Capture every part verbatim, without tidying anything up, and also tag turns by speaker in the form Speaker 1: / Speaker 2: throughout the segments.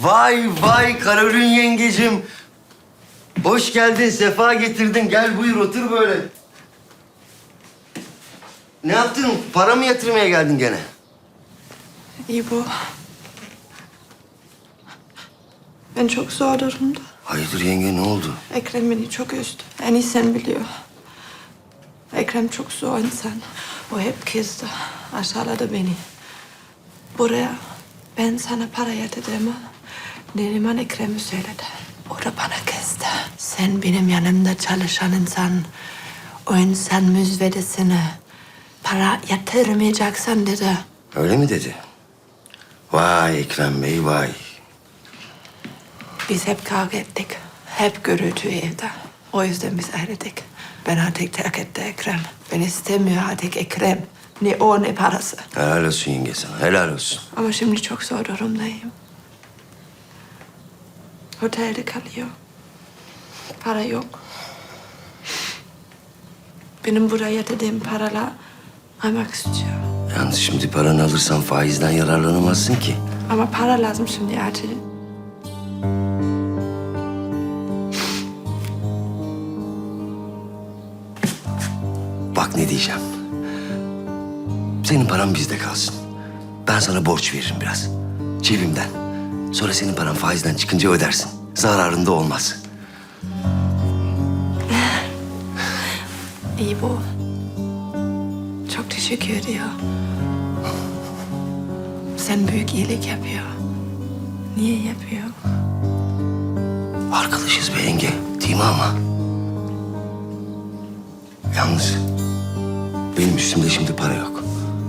Speaker 1: Vay vay Karolin yengecim. Hoş geldin, sefa getirdin. Gel buyur otur böyle. Ne yaptın? Para mı yatırmaya geldin gene?
Speaker 2: İbo. Ben çok zor durumda.
Speaker 1: Hayırdır yenge, ne oldu?
Speaker 2: Ekrem beni çok üzdü. En iyi sen biliyor. Ekrem çok zor insan. O hep kızdı. Aşağıladı beni. Buraya ben sana para yatırdığımı Neriman Ekrem'e söyledi. O da bana kızdı. Sen benim yanımda çalışan insan, o insan müzvedesine para yatırmayacaksın dedi.
Speaker 1: Öyle mi dedi? Vay Ekrem Bey, vay.
Speaker 2: Biz hep kavga ettik. Hep gürültü evde. O yüzden biz ayrıldık. Ben artık terk etti Ekrem. Ben istemiyor artık Ekrem. Ne o ne parası.
Speaker 1: Helal olsun yenge sana, helal olsun.
Speaker 2: Ama şimdi çok zor durumdayım. Otelde kalıyor. Para yok. Benim buraya yatırdığım paralar almak istiyor.
Speaker 1: Yalnız şimdi paranı alırsan faizden yararlanamazsın ki.
Speaker 2: Ama para lazım şimdi acil.
Speaker 1: Bak ne diyeceğim. Senin paran bizde kalsın. Ben sana borç veririm biraz. Cebimden. Sonra senin paran faizden çıkınca ödersin. Zararında olmaz.
Speaker 2: İyi bu. Çok teşekkür ediyor. Sen büyük iyilik yapıyor. Niye yapıyor?
Speaker 1: Arkadaşız be yenge. Değil mi ama? Yalnız benim üstümde şimdi para yok.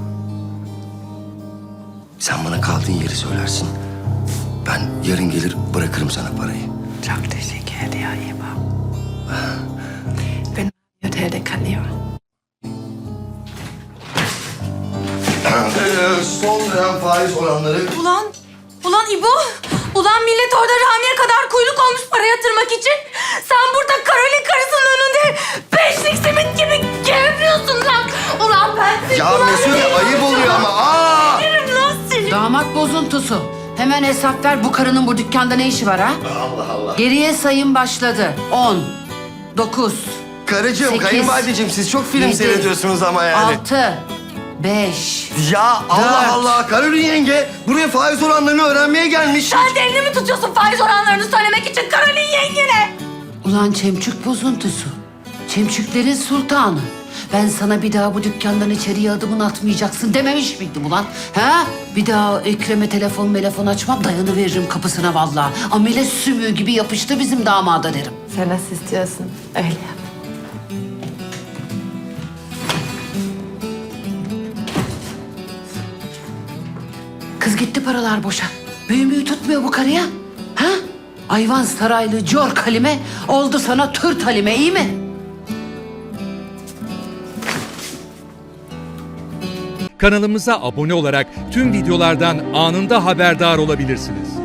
Speaker 1: Sen bana kaldığın yeri söylersin. Ben yarın gelir bırakırım sana parayı.
Speaker 2: Çok teşekkür ediyor İbo. Ben otelde kalıyorum.
Speaker 1: Son dönem faiz oranları.
Speaker 3: Ulan, ulan İbo. Ulan millet orada Rami'ye kadar kuyruk olmuş para yatırmak için. Sen burada Karolin karısının önünde beşlik simit gibi gevriyorsun lan. Ulan ben seni...
Speaker 1: Ya
Speaker 3: ulan
Speaker 1: Mesude
Speaker 3: seni-
Speaker 1: ayıp oluyor ama. Aa!
Speaker 3: Yerim lan seni.
Speaker 4: Damat bozuntusu. Hemen hesap ver, bu karının bu dükkanda ne işi var ha?
Speaker 1: Allah Allah.
Speaker 4: Geriye sayım başladı. On, dokuz,
Speaker 1: Karıcığım,
Speaker 4: Sekiz,
Speaker 1: kayınvalideciğim siz çok film
Speaker 4: yedi,
Speaker 1: seyrediyorsunuz ama yani.
Speaker 4: altı, beş.
Speaker 1: Ya Allah
Speaker 4: Dört.
Speaker 1: Allah, Karolin yenge buraya faiz oranlarını öğrenmeye gelmiş.
Speaker 3: Sen de elini mi tutuyorsun faiz oranlarını söylemek için Karolin yengene?
Speaker 4: Ulan çemçük bozuntusu. Çemçüklerin sultanı. Ben sana bir daha bu dükkandan içeriye adımını atmayacaksın dememiş miydim ulan? Ha? Bir daha Ekrem'e telefon telefon açmam, dayanıveririm kapısına vallahi. Amele sümüğü gibi yapıştı bizim damada derim.
Speaker 2: Sen nasıl istiyorsun? Öyle yap.
Speaker 4: Kız gitti paralar boşa. Büyümüğü tutmuyor bu karıya. Ha? Ayvan saraylı Cor Halime oldu sana Türt Halime, iyi mi?
Speaker 5: Kanalımıza abone olarak tüm videolardan anında haberdar olabilirsiniz.